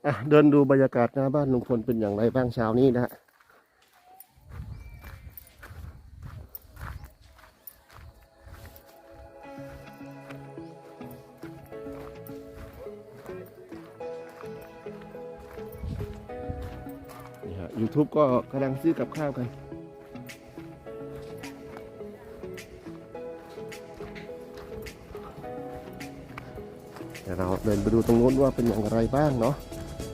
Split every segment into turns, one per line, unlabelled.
เดินดูบรรยากาศหน้าบ้านลุงพลเป็นอย่างไรบ้างเช้านี้นะฮะนี่ฮะ YouTube ก็กำลังซื้อกับข้าวกันเดี๋ยวเราเดินไปดูตรงโน้นว่าเป็นอย่างไรบ้างเนาะ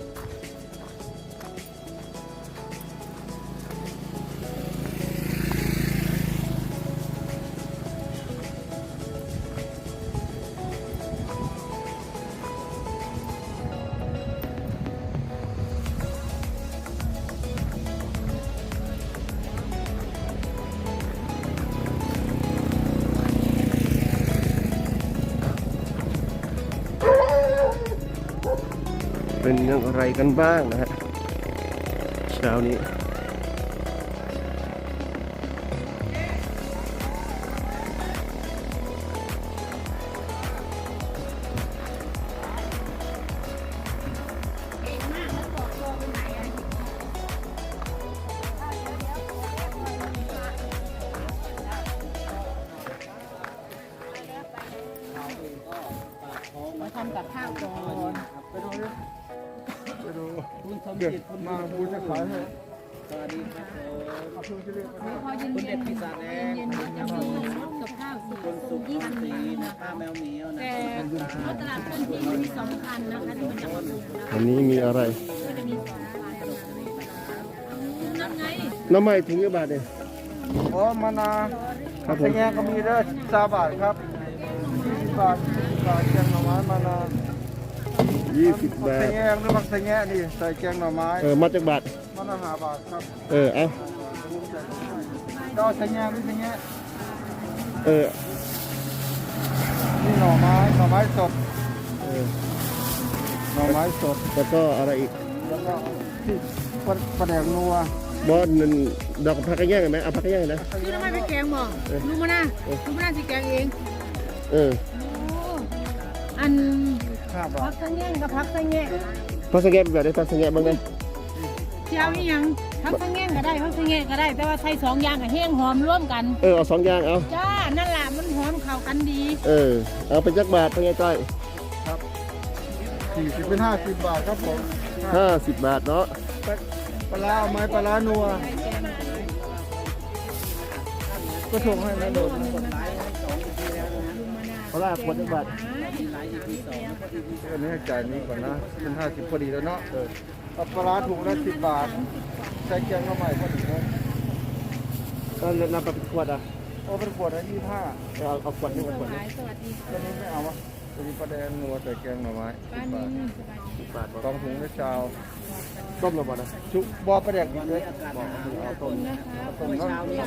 เป็นอย่างไรกันบ้างนะฮะเช้านี้
มาทำกับข้าวก่อน
ไปดูคุณสมจิตมาบูจะขายให้สวัสดีครับ
พอเย็น
คุณ
เย็
เด็
น
ดพิซซ่าแดง
เย็นก็จะมีกับข้าวสี่
คุณสุขพันธ์ศรีนะป้าแมวเหมียวนะ
แต่เอาตลาดต้นที่มี2,000นะคะที่มันจะมาลงนะ
วันนี้มีอะไร
ก็จะมี2,000นั่นไง
น้ำไม้ถึงกี่บาทเนี่ย
โอ้มานา
ครับผ
ใส่
ม
แงก็มีเด้อ3 บาทครับ20 บาท20 บาทแกงหน่อไม้มานา
20 บา
ใส่
ท
แงหรือมักใส่แงนี่ใส่แกงหน่อไม้
มาจากบาท
มานา5 บาทครับ
เอา
ก็ใส่แงหรือใส่แง
เออ
นี่หน่อไม้สด
เออ
หน่อไม้สด
แล้วก็อะไรอีก
แล้วก็ที่ปลาแดกนัว
บอสนั่นดอกผักกระแยงเห็นไหมเอาผักกระแยงนะ
คือทำไมไปแกงบ่ลุงมานะลุงมานะสิแกงเอง
เออ
อัน
5 บา
พั
ท
กสังแง่กับพักสังแง่
ผักสะแงเป็นแบบไหนผักสะแงบ้างไหม
เจ้าอีหยังพักสังแง่ก็ได้พักสังแง่ก็ได้ แต่ว่าใส่2อย่างกับแห้งหอมร่วมกัน
เอา2 อย่างเอา
จ้านั่นแหละมันหอมเข้ากันดี
เอาเป็นจักบาทเป็นไงก้อย
40เป็น50 บาทครับผม
50 บาทเนาะ
ปลาร้าเอาไหมปลาร้านัวก็ส่งให้นะโดด
เพราะว่าขวดจักบาท
อันนี้ให้จ่ายนี้ก่อนนะเป็น50พอดีแล้วเนาะเอาปลาร้าถุงละ10 บาทใส่แกงเข้าใหม่พอดีนะ
ก็นำไปเป็นขวดอ่ะ
เอาเป็นขวดละ25
เอาขวดนึงขวดนึง
สวัสดี
ตัวนี้ไม่เอาวะตัวนี้ปลาแดงนัวใส่แกงหน่อไม้
ป้า
10 บาท
นิ่ม
10 บาท
กองถุงละชาว
ต้มแล้วบ่นะ
ชุบบอปลาแดกดิบเลยบอกเอาต้ม
นะคะ
ต้มเช้านี้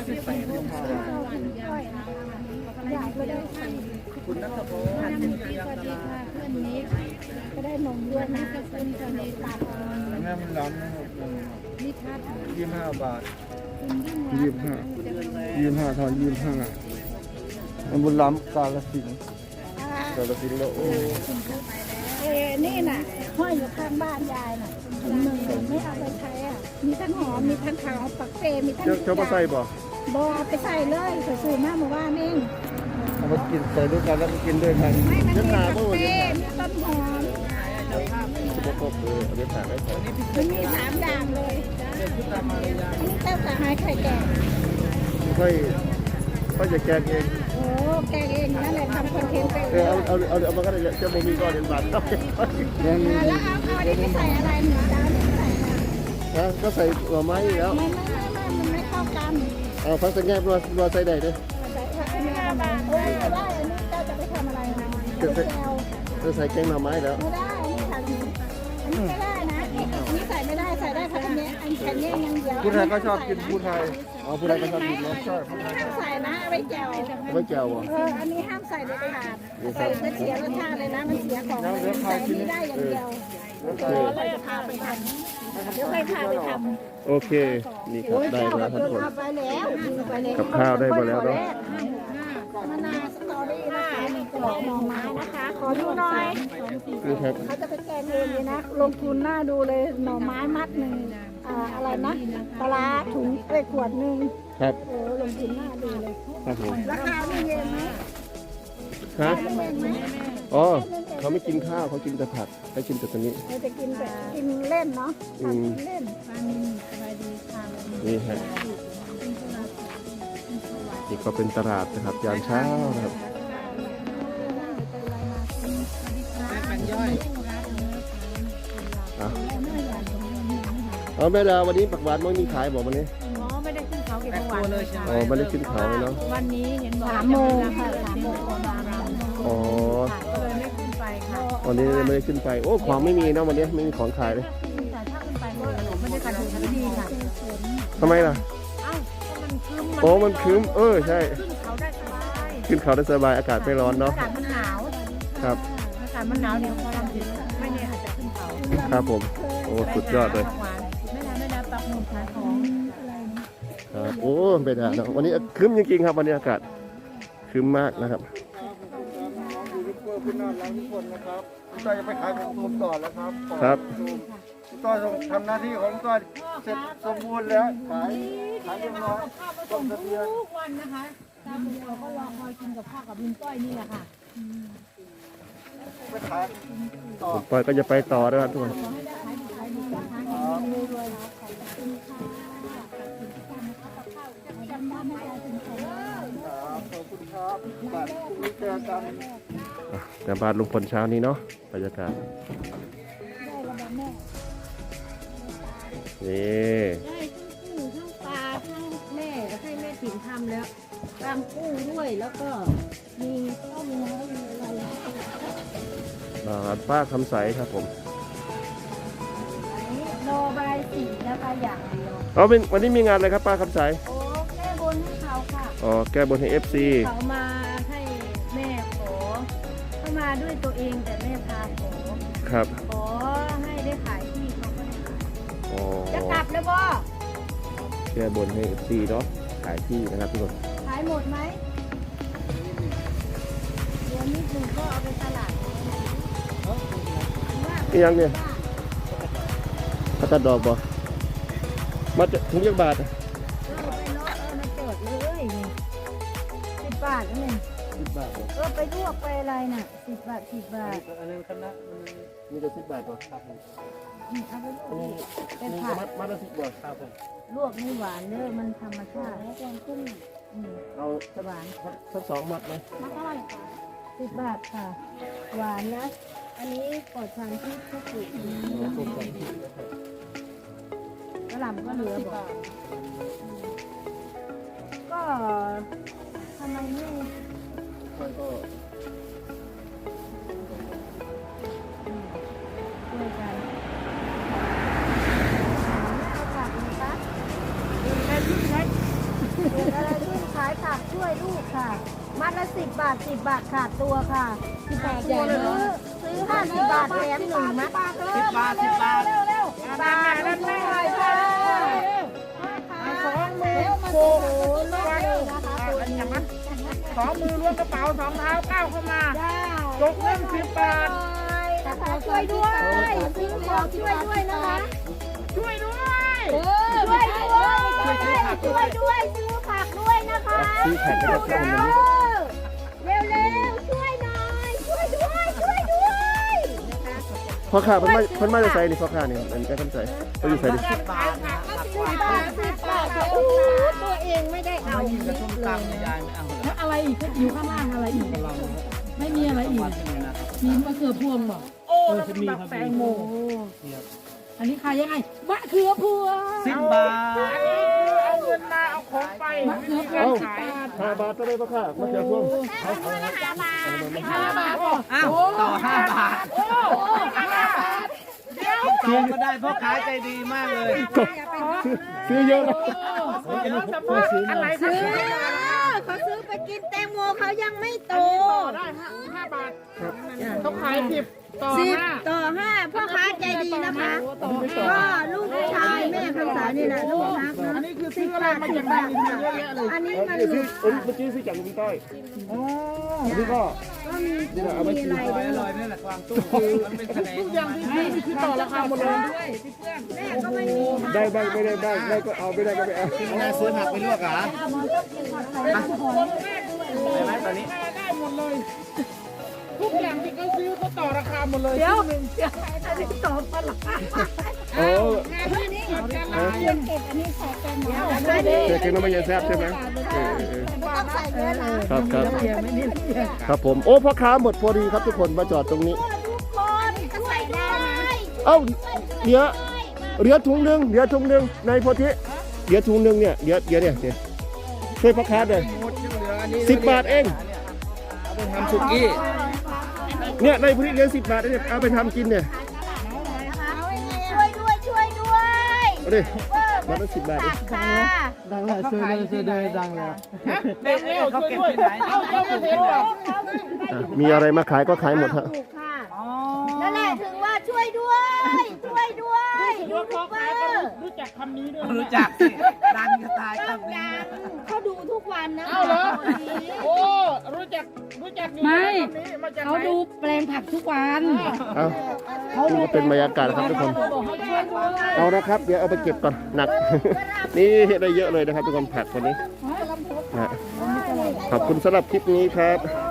คุณนัทพงศ์
สวัสดีค่ะเพื่อนนี้ก็ได้นมด้วยนะก็คุณจะในตา
แม่มันล้ำนะครับ
นิทัศน์
25 บาท
คุณยิ่งรัก
25ทอน25มันบุญล้ำกาลสินธุ์กาลสินธุ์แล้วโอ้
นี่น่ะห้อยอยู่ข้างบ้านยายน่ะถุงหนึ่งไม่เอาไปใช้อ่ะ มีทั้งหอม มีทั้งขาวปักเซมีทั้ง
เจ้ามาใส่บ่
บอไปใส่เลยซื้อมาเมื่อวานเอง
เอามากินใส่ด้วยกันแล้วก็กินด้วยกัน
ไม่มันมีปักเซมีต้นหอม
บ่ครบเอาไปฝากไว้ก่อน
มันมี3 อย่างเลยอันนี้เต้าสาหายไข่แก่
ค่อยจะแกงเอง
โอ้แกงเองนั่นแหละทำคอนเทนต์ไป
เอามาก็ได้เจ้าบ่มีก็เรียนบาทครับ
ยังมี
แล้วเอาอันนี้ไปใส่อะไรเหนือดาวนี่ใส่อะไร
ก็ใส่หัวไม้แล้ว
มันไม่เข้ากัน
เอาผักสะแงรัวใส่ได้เด้อ
ใส่อันนี้5 บาทโอ้ยไม่ได้อันนี้เจ้าจะไปทำอะไรนะแซว
จะใส่แกงหน่อไม้แล้ว
ไม่ได้อันนี้ไม่ได้นะอันนี้ใส่ไม่ได้ใส่ได้แค่อันนี้อันแค่นี้อย่างเดียว
ผู้ไทยก็ชอบกินผู้ไทย
เอาผู้ใดก็ชอบกินเนาะ
ใช่
อันนี้ห้ามใส่นะเอาไว้แจ่ว
ไว้แจ่วบ่
อันนี้ห้ามใส่เด็ดขาดใส่จะเสียรสชาติเลยนะมันเสียของใส่อันนี้ได้อย่างเดียวเราจะพาไปทำเดี๋ยวค่อยพาไปทำ
โอเคนี่ครับได้แล้วทุกคน
เอาไปแล้วไปแล้ว
กับข้าวได้มาแล้วเนาะ
มะนาวสตอรี่นะคะดอกหน่อไม้นะคะ ขอดูหน่อย
นี่ครับ
เขาจะไปแกงเองเลยนะ ลงทุนหน้าดูเลยหน่อไม้มัดหนึ่งอะไรนะปลาร้าถุงขวดหนึ่ง
ครับ
โอ้ลงทุนหน้าดูเลย
ครับผม
ราคาไม่เย็นไหม
ฮะ
ไม่เย็นไหม
อ๋อเขาไม่กินข้าวเขากินแต่ผักเขากินแต่ตัวนี้
เราจะกินแบบกินเล่นเนาะทำกินเล่น
นี่ฮะนี่ก็เป็นตลาดนะครับยามเช้านะครับอ่ะเอาแม่ดาวันนี้ผักหวานไม่มีขายบอกวันนี้
อ๋อไม่ได้ขึ้นเขาเก็บเมื่อวานเลย
อ๋อไม่ได้ขึ้นเขาเลยเนาะ
วันนี้เห็นบอก
3 โมงค่ะ3 โมงประมาณ
อ๋อ
ก็เลยไม่ขึ้นไปค่ะ
วันนี้ไม่ได้ขึ้นไปโอ้ของไม่มีเนาะวันนี้ไม่มีของขายเลย
แต่ถ้าขึ้นไปก็ไม่ได้การดูที่ดีค่ะ
ทำไมล่ะ
เอ้าก็มันคืม
โอ้มันครึ้มใช่
ขึ้นเขาได้สบาย
ขึ้นเขาได้สบายอากาศไม่ร้อนเนาะ
อากาศมันหนาว
ครับ
อากาศมันหนาวเดี๋ยวพอทำถึงไม่แน่อาจจะขึ้นเขา
ครับผมโอ้สุดยอดเลย
ไม่ได้ปักหมุดขายของ
ครับโอ้ไม่ได้เนาะวันนี้ครึ้มจริงๆครับวันนี้อากาศครึ้มมากนะครับ
ยูทูบเบอร์คุณน่ารักทุกคนนะครับคุณต้อยจะไปขายของผมต่อแล้วครับ
ครับ
คุณต้อยทำหน้าที่ของคุณต้อยเสร็จสมบูรณ์แล้วขายเรียบร้อย
ข้าวผสมทุกวันนะคะตามเราก็รอคอยกินกับข้าวกับลุงต้อยนี่แหละค่ะ
ไปขายต่อ
ผมปอยก็จะไปต่อนะครับทุกคน
ขอบคุณครับบัตรมีเจอกัน
แต่บ้านลุงพลเช้านี้เนาะบรรยากาศนี่
ได้ทั้งกุ้งทั้งปลาทั้งแม่ให้แม่ถิ่นทำแล้วตามกุ้งด้วยแล้วก็มีต้มน้ำมีอะไร
บ้านป้าคำใสครับผม
อันนี้โนบายสีนะคะอย่างเดียว
เอาเป็นวันนี้มีงานอะไรครับป้าคำใส
โอ้แก้บนให้เขาค่ะ
อ๋อแก้บนให้ FC
เขามาให้แม่ขอเขามาด้วยตัวเองแต่แม่พาขอ
ครับ
ขอให้ได้ขายที่เขาก็ได้ขาย
อ๋อ
จะกลับแล้วบ่
แก้บนให้ FC เนาะขายที่นะครับทุกคน
ขายหมดไหมเดี๋ยวนิดหนึ่งก็เอาไปตลาด
นี่ยังเนี่ยพัตดอกบ่มาจะถึงยักบาทอะ
ไปเนาะมาจดเลยนี่10 บาทนั่นเอง
10 บาทเหรอ
ไปลวกไปอะไรน่ะ10 บาท10 บาท
อันนี้คณะ
มีแต่10 บาทเหรอครับ
เอาไปลวก
นี่
เป็น
นี่
ผัก
มัดละ10 บาทครับผม
ลวกนี่หวานเด้อมันธรรมชาติแล้วแกงกุ้ง
เอา
หวาน
สัก2 มัดไหม
มักอร่อยค่ะ10 บาทค่ะ หวานนะ อันนี้ปลอดสารพิษทุกสิ่งกระหล่ำก็เหลือบอกก็ทำไมไม่
มันก็
ช่วยกันเอาผักนะคะเกิดอะไรขึ้นขายผักช่วยลูกค่ะ มัดละ10 บาท10 บาทขาดตัวค่ะ10 บาทซื้อ50 บาทแถม1มัด10 บาท10 บาทเร็วๆบาทนั่นไม่ไหวค่ะ2 มือโอ้โหลดเลยนะคะตัวนี้
2 มือล้วงกระเป๋า2 เท้าก้าวเข้ามาจกเงิน10 บาท
นะคะช่วยด้วยซื้อของช่วยด้วยนะคะ
ช่วยด้วย
ช่วยด้วยซื้อผักด้วยนะคะ
ซื้อแผ่นไปกับคนนี้
เร็วช่วยหน่อยช่วยด้วยนะคะ
พ่อข้าเพิ่นมาจะใส่นี่พ่อข้านี่มันจะคำใส่เขาอยู่ใส่ดิ
10 บาทโอ้ตัวเองไม่ได้เอานิดเลย
แล้วอะไรอีกอยู่ข้างล่างอะไรอีก ไม่มีอะไรอีกมีมะเขือพวงบอกโอ้แล้วก็แบบแตงโมอันนี้ขายยังไงมะเขือพวง
10 บาท
อันนี้คือเอาเงินมาเอาของไปมะเขือพวงขาย
5 บาทก็ได้พ่อข้ามาเจอพวง
5 บาทอ้าวต่อ5 บาทโอ้5 บาทเดี๋ยว
จองก็ได้เพราะขายใจดีมากเลย
ซื้อเยอะนะ
เดี๋ยวสมมติอะไรซื้อ
เขาซื้อไปกินแตงโมเขายังไม่โต
ได้5 บาทเขาขาย10 ต่อ
10
ห้า
ต่อ 5พ่อค้าใจดีนะคะ
ต่อห้า
ก็ลูกชายแม่คำสานี่แหละลูกรักนะ
อันนี้คือซื้ออะไรมาจากไหนเยอะแยะเลย
อันนี้มัน
เมื่อกี้ซื้อจากลุงต้อยอันนี้ก็
มีอะไรด้วย
ทุกอย่างที่ซื้อนี่คือต่อราคาหมดเลย
แม่ก็ไม่มี
ได้บ้างไม่ได้บ้างได้ก็เอาไม่ได้ก็ไม่เอา
แม่ซื้อผักไปลวกเหรอ
ได้ไหมตอนนี้ได้หมดเลย ทุกอย่างที่เขาซื้อเขาต่อราคาหมดเลย
เดี๋ยวอันนี้ต่อปลา
โอ้
เก็บอันนี้ใส่เป็นหมอ
เจ๊เก่งน้ำมันยังแซ่บใช่ไหม
ต้องใส่เยอะนะครับ
ครับผมโอ้พ่อค้าหมดพอดีครับทุกคนมาจอดตรงนี้
ทุกคนก็ใส่ได้
เอ้าเหลือถุงหนึ่งในโพธิเหลือถุงหนึ่งเนี่ยเดี๋ยวเนี่ยช่วยพ่อค้าเลย10 บาทเอง
ทำสุกี้
เนี่ยในโพธิเหลือ10 บาทเนี่ยเอาไปทำกินเนี่ย
ช่วยด้วย
เอาดิมาตั้ง10 บาทเอง
ค่ะ
ดังแล้วซื้อเลยดังแล้ว
เด็กเร็วช่วยด้วยเอาเจ้าไม่เห็นหรอ
มีอะไรมาขายก็ขายหมดฮะ
ถูกค่ะนั่นแหละถึงว่าช่วยด้วยยูทูบเบอร์
รู้จักคำนี้ด้วย
รู้จักสิดังจะตายครับ
เขาดูทุกวันนะ
เอาเหรอโอ้รู้จักอยู่คำนี้มาจากไหน
เขาดูแปลงผักทุกวัน
เอานี่ก็เป็นบรรยากาศนะครับทุกคน เอานะครับ เดี๋ยวเอาไปเก็บก่อนหนัก นี่ได้เยอะเลยนะครับทุกคนผักวันนี้นะขอบคุณสำหรับคลิปนี้ครับ